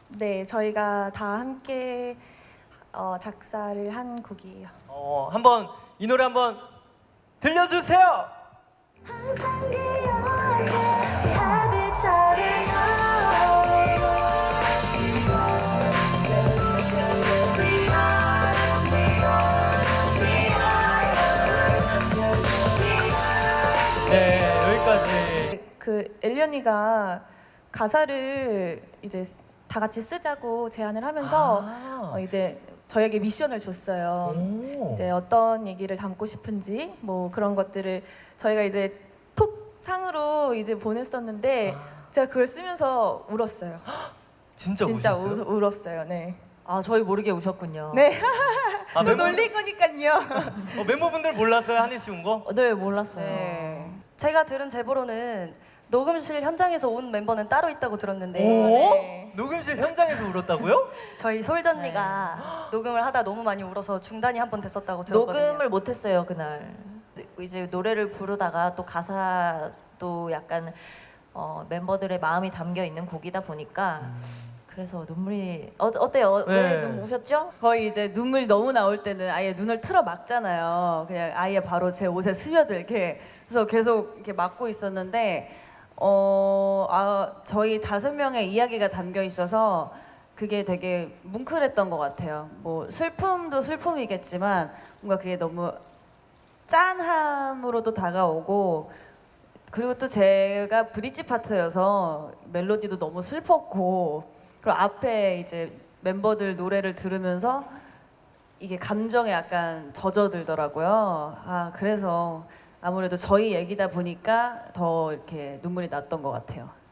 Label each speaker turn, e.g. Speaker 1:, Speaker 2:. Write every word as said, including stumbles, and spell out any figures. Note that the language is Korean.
Speaker 1: 네, 저희가 다 함께 어, 작사를 한 곡이에요.
Speaker 2: 어, 한번 이 노래 한번 들려주세요.
Speaker 3: 항상 기억해 We have each other now We are, we are, we are
Speaker 2: 네, 여기까지.
Speaker 1: 그 엘리언이가 가사를 이제 다 같이 쓰자고 제안을 하면서
Speaker 2: 아.
Speaker 1: 어, 이제 저에게 미션을 줬어요.
Speaker 2: 오.
Speaker 1: 이제 어떤 얘기를 담고 싶은지 뭐 그런 것들을 저희가 이제 톡상으로 이제 보냈었는데
Speaker 2: 아.
Speaker 1: 제가 그걸 쓰면서 울었어요.
Speaker 2: 진짜,
Speaker 1: 진짜
Speaker 2: 우셨어요?
Speaker 1: 우, 울었어요. 네.
Speaker 4: 아 저희 모르게 우셨군요.
Speaker 1: 네.
Speaker 2: 아,
Speaker 1: 또
Speaker 2: 멤버,
Speaker 1: 놀릴 거니까요.
Speaker 2: 어, 멤버분들 몰랐어요, 한희 씨 온 거?
Speaker 4: 어, 네 몰랐어요.
Speaker 1: 네.
Speaker 5: 제가 들은 제보로는 녹음실 현장에서 온 멤버는 따로 있다고 들었는데
Speaker 2: 오?
Speaker 1: 네.
Speaker 2: 녹음실 현장에서 울었다고요?
Speaker 5: 저희 솔전니가 녹음을 하다 너무 많이 울어서 중단이 한 번 됐었다고 들었거든요.
Speaker 4: 녹음을 못했어요 그날. 이제 노래를 부르다가 또 가사도 약간 어, 멤버들의 마음이 담겨 있는 곡이다 보니까 그래서 눈물이 어, 어때요?
Speaker 2: 네.
Speaker 4: 왜 눈물 우셨죠?
Speaker 6: 거의 이제 눈물이 너무 나올 때는 아예 눈을 틀어 막잖아요. 그냥 아예 바로 제 옷에 스며들게. 그래서 계속 이렇게 막고 있었는데 어, 아, 저희 다섯 명의 이야기가 담겨 있어서 그게 되게 뭉클했던 것 같아요. 뭐 슬픔도 슬픔이겠지만 뭔가 그게 너무 짠함으로도 다가오고 그리고 또 제가 브릿지 파트여서 멜로디도 너무 슬펐고 그리고 앞에 이제 멤버들 노래를 들으면서 이게 감정에 약간 젖어들더라고요. 아 그래서 아무래도 저희 얘기다 보니까 더 이렇게 눈물이 났던 것 같아요.